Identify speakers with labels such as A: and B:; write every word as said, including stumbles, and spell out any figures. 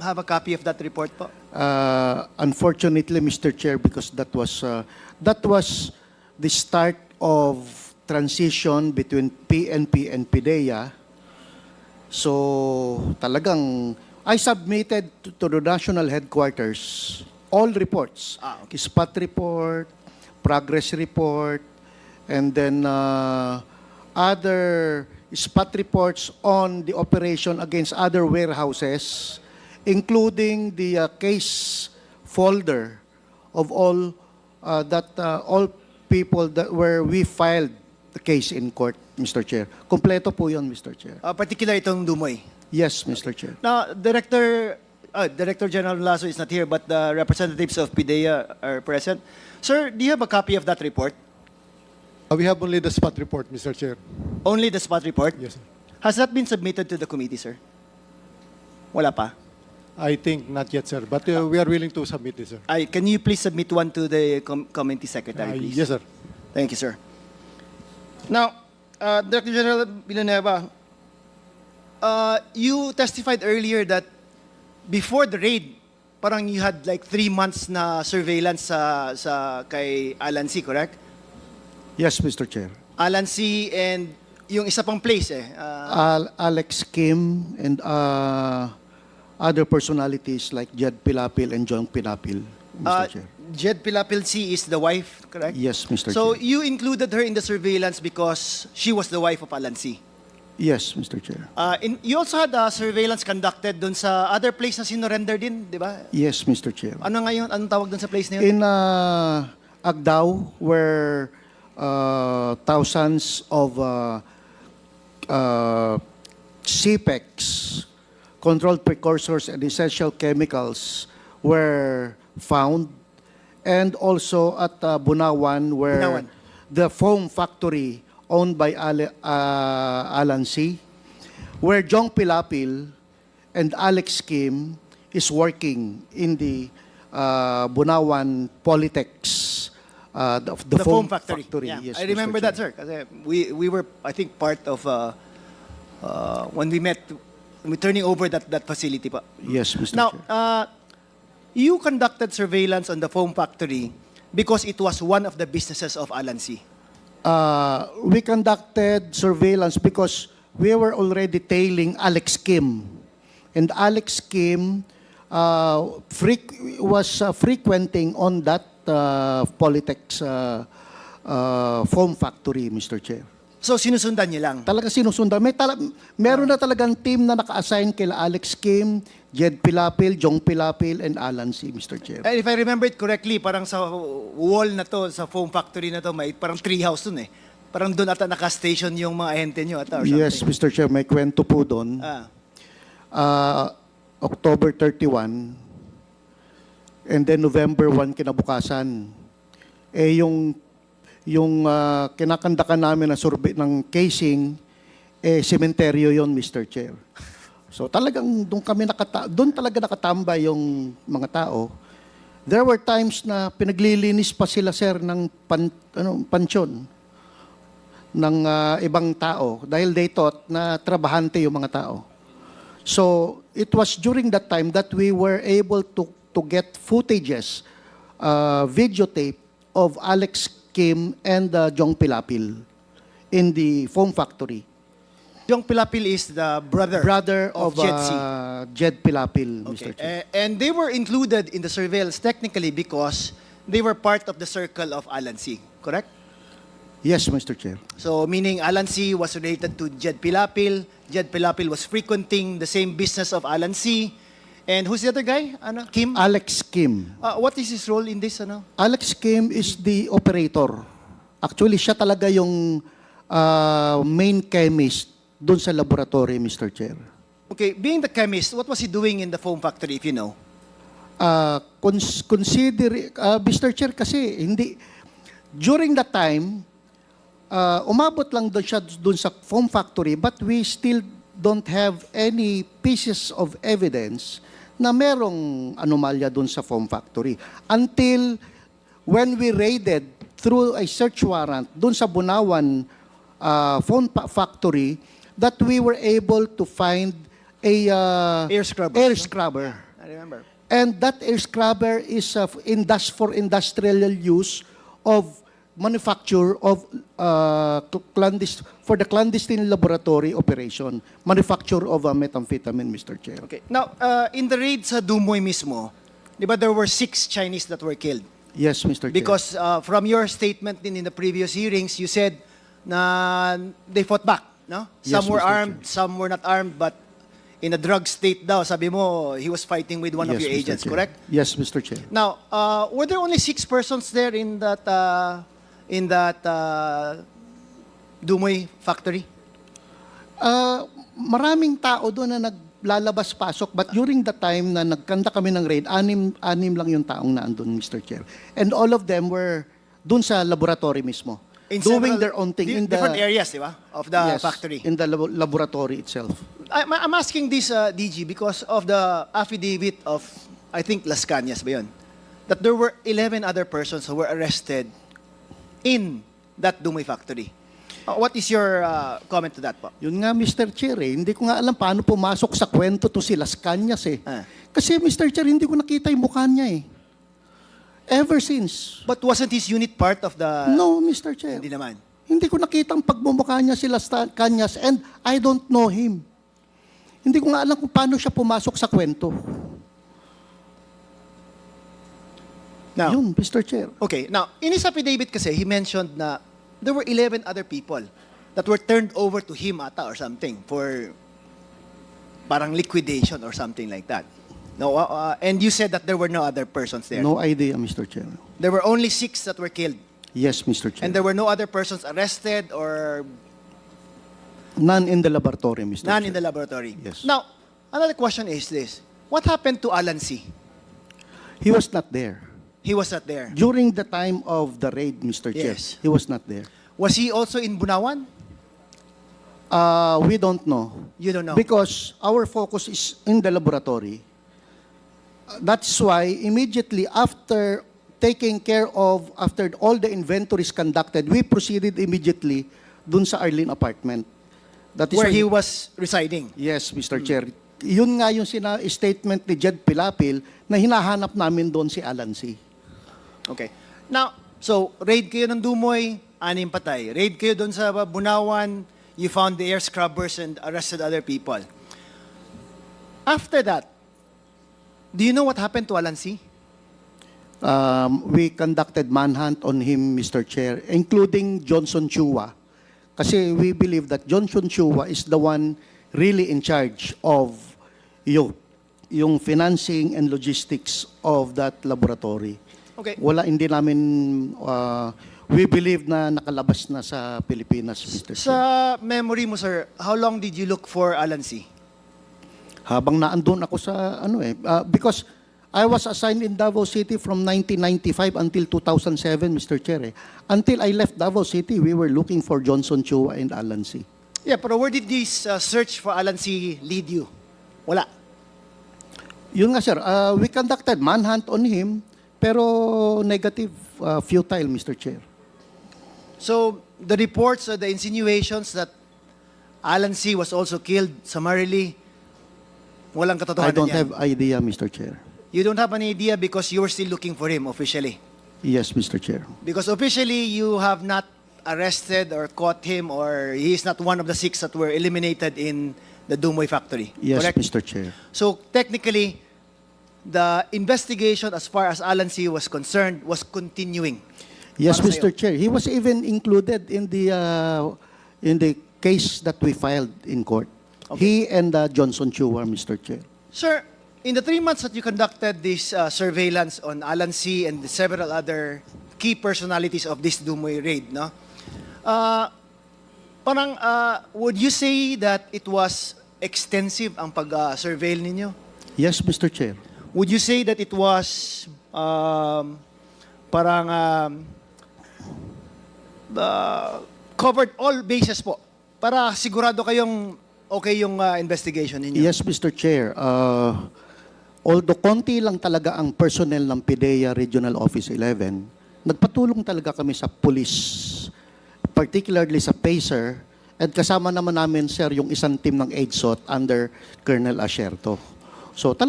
A: have a copy of that report po?
B: Uh, unfortunately, Mister Chair, because that was uh, that was the start of transition between P N P and PIDEA. So talagang I submitted to, to the national headquarters all reports,
A: Ah, okay.
B: spot report, progress report, and then uh, other spot reports on the operation against other warehouses, including the uh, case folder of all uh, that uh, all people that where we filed the case in court, Mister Chair. Kompleto po 'yon, Mister Chair.
A: Uh, particular itong Dumoy.
B: Yes, Mister Chair.
A: Now, Director, uh, Director General Lasso is not here, but the representatives of PIDEA are present. Sir, do you have a copy of that report?
C: Uh, we have only the spot report, Mister Chair.
A: Only the spot report?
C: Yes, sir.
A: Has that been submitted to the committee, sir? Wala pa.
C: I think not yet, sir. But uh, we are willing to submit this, sir.
A: Ay, can you please submit one to the com committee secretary,
C: Uh,
A: please?
C: yes, sir.
A: Thank you, sir. Now, uh, Director General Villanueva, uh, you testified earlier that before the raid, parang you had like three months na surveillance sa, sa kay Alan C., correct?
B: Yes, Mister Chair.
A: Alan C. and yung isa pang place eh. Uh,
B: Al Alex Kim and uh, other personalities like Jed Pilapil and John Pilapil, Mister
A: uh,
B: Chair.
A: Jed Pilapil C. is the wife, correct?
B: Yes, Mister
A: So
B: Chair.
A: you included her in the surveillance because she was the wife of Alan C.
B: Yes, Mister Chair.
A: Uh, in, you also had uh, surveillance conducted dun sa other place na sinurrender din, di ba?
B: Yes, Mister Chair.
A: Ano ngayon? Anong tawag dun sa place na yun?
B: In uh, Agdao, where uh, thousands of uh, uh, C PECs, controlled precursors and essential chemicals, were found, and also at uh, Bunawan, where
A: Bunawan.
B: the foam factory owned by Ale, uh, Alan C., where Jong Pilapil and Alex Kim is working in the uh, Bunawan Polytex, uh, the, the,
A: The
B: foam,
A: foam factory. Yeah.
B: Yes,
A: I remember
B: Mister
A: that, sir. Kasi we, we were, I think, part of, uh, uh, when we met, we turning over that, that facility pa.
B: Yes, Mister
A: Now,
B: Chair.
A: uh, you conducted surveillance on the foam factory because it was one of the businesses of Alan C.
B: Uh, we conducted surveillance because we were already tailing Alex Kim. And Alex Kim uh, freq- was uh, frequenting on that uh, Polytex uh, uh, foam factory, Mister Chair.
A: So, sinusundan niyo lang.
B: Talaga sinusundan. May tala- meron na talagang team na naka-assign kila Alex Kim, Jed Pilapil, Jong Pilapil, and Alan C., Mister Chair.
A: And if I remember it correctly, parang sa wall na to, sa foam factory na to, may parang tree house dun eh. Parang doon ata naka-station yung mga ahente nyo ata or something.
B: Yes, Mister Chair, may kwento po doon.
A: Ah.
B: Uh, October thirty-first, and then November first kinabukasan. Eh yung yung uh, kinakandakan namin na survey ng casing, eh sementeryo yon, Mister Chair. So talagang doon kami nakata doon talaga nakatambay yung mga tao. There were times na pinaglilinis pa sila, sir, ng pan, ano, pansyon ng uh, ibang tao dahil they thought na trabahante yung mga tao. So it was during that time that we were able to to get footages, uh, videotape of Alex Kim and uh, Jong Pilapil in the foam factory.
A: Yung Pilapil is the brother,
B: Brother
A: of,
B: of,
A: Jed C.
B: uh, Jed Pilapil, Mister
A: Okay.
B: Chair.
A: Eh, and they were included in the surveillance technically because they were part of the circle of Alan C. Correct?
B: Yes, Mister Chair.
A: So meaning Alan C. was related to Jed Pilapil. Jed Pilapil was frequenting the same business of Alan C. And who's the other guy? Ano? Kim?
B: Alex Kim.
A: Uh, what is his role in this? Ano?
B: Alex Kim is the operator. Actually, siya talaga yung uh, main chemist doon sa laboratory, Mister Chair.
A: Okay, being the chemist, what was he doing in the foam factory, if you know?
B: Uh, cons- consider, uh, Mister Chair, kasi hindi, during that time, uh, umabot lang doon siya doon sa foam factory, but we still don't have any pieces of evidence na merong anomalya doon sa foam factory. Until when we raided through a search warrant doon sa Bunawan uh, foam pa- factory, that we were able to find a uh,
A: Air scrubbers,
B: air
A: no?
B: scrubber.
A: I remember.
B: And that air scrubber is uh, indus- for industrial use of manufacture of uh, clandest- for the clandestine laboratory operation, manufacture of uh, methamphetamine, Mister Chair.
A: Okay. Now, uh, in the raid sa Dumoy mismo, di ba there were six Chinese that were killed?
B: Yes, Mister Chair.
A: Because uh, from your statement din in the previous hearings, you said na they fought back, no?
B: Yes,
A: Some were
B: Mister
A: armed, some were not armed, but in a drug state daw, sabi mo, he was fighting with one of
B: Yes,
A: your
B: Mister
A: agents,
B: Chair.
A: correct?
B: Yes, Mister Chair.
A: Now, uh, were there only six persons there in that uh, in that uh, Dumoy factory?
B: Uh, maraming tao doon na naglalabas-pasok, but during the time na nagkanda kami ng raid, anim, anim lang yung taong naandun, Mister Chair. And all of them were doon sa laboratory mismo,
A: In
B: doing
A: several
B: their own thing
A: di-
B: in the
A: different areas, di ba? Of the
B: yes,
A: factory.
B: in the labo- laboratory itself.
A: I'm, I'm asking this, uh, D G, because of the affidavit of, I think, Las Cañas ba yun? That there were eleven other persons who were arrested in that Dumoy factory. Uh, what is your uh, comment to that po?
B: Yun nga, Mister Chair, eh, hindi ko nga alam paano pumasok sa kwento to si Las Cañas eh.
A: Ah.
B: Kasi Mister Chair, hindi ko nakita yung mukha niya eh. Ever since.
A: But wasn't his unit part of the...
B: No, Mister Chair.
A: Hindi naman.
B: Hindi ko nakita ang pagmumukha niya si Las Cañas and I don't know him. Hindi ko nga alam kung paano siya pumasok sa kwento.
A: Now,
B: Yun, Mister Chair.
A: okay, now, in his affidavit kasi, he mentioned na there were eleven other people that were turned over to him ata or something for parang liquidation or something like that. No, uh, uh, and you said that there were no other persons there.
B: No idea, Mister Chair.
A: There were only six that were killed.
B: Yes, Mister Chair.
A: And there were no other persons arrested or
B: None in the laboratory, Mister
A: none
B: Chair.
A: in the laboratory.
B: Yes.
A: Now, another question is this. What happened to Alan C?
B: He was not there.
A: He was not there.
B: During the time of the raid, Mister Chair,
A: Yes.
B: he was not there.
A: Was he also in Bunawan?
B: Uh, we don't know.
A: You don't know.
B: Because our focus is in the laboratory. Uh, That's why immediately after taking care of, after all the inventories conducted, we proceeded immediately dun sa Arlene apartment. That is
A: Where
B: why-
A: he was residing.
B: Yes, Mister Chair. Yun nga yung sina statement ni Jed Pilapil na hinahanap namin doon si Alan C.
A: Okay. Now, so, raid kayo ng Dumoy, anim patay. Raid kayo doon sa Bunawan, you found the air scrubbers and arrested other people. After that, do you know what happened to Alan C?
B: Um, we conducted manhunt on him, Mister Chair, including Johnson Chua. Kasi we believe that Johnson Chua is the one really in charge of yung, yung financing and logistics of that laboratory.
A: Okay.
B: Wala, hindi namin, uh, we believe na nakalabas na sa Pilipinas, Mister Chair.
A: Sa memory mo, sir, how long did you look for Alan C?
B: Habang naandun ako sa ano eh uh, because I was assigned in Davao City from nineteen ninety-five until two thousand seven, Mister Chair. Eh. Until I left Davao City, we were looking for Johnson Chua and Alan C.
A: Yeah, pero where did this uh, search for Alan C lead you? Wala.
B: Yun nga sir, uh, we conducted manhunt on him pero negative, uh, futile, Mister Chair.
A: So, the reports or the insinuations that Alan C was also killed summarily, walang
B: I
A: katotohanan
B: don't
A: yan.
B: have idea, Mister Chair.
A: You don't have an idea because you were still looking for him officially.
B: Yes, Mister Chair.
A: Because officially, you have not arrested or caught him, or he is not one of the six that were eliminated in the Dumoy factory.
B: Yes,
A: Correct?
B: Mister Chair.
A: So technically, the investigation as far as Alan C was concerned was continuing.
B: Yes,
A: Para
B: Mister
A: sa'yo.
B: Chair. He was even included in the uh, in the case that we filed in court. He and uh, Johnson Chua, Mister Chair.
A: Sir, in the three months that you conducted this uh, surveillance on Alan C and the several other key personalities of this Dumoy raid, no? Uh, parang, uh, would you say that it was extensive ang pag-surveil ninyo?
B: Yes, Mister Chair.
A: Would you say that it was um, parang um, uh, covered all bases po para sigurado kayong okay yung uh, investigation ninyo?
B: Yes, Mister Chair. Uh, although konti lang talaga ang personnel ng PIDEA Regional Office eleven, nagpatulong talaga kami sa police, particularly sa PACER, at kasama naman namin, sir, yung isang team ng EDSOT under Colonel Asherto. So,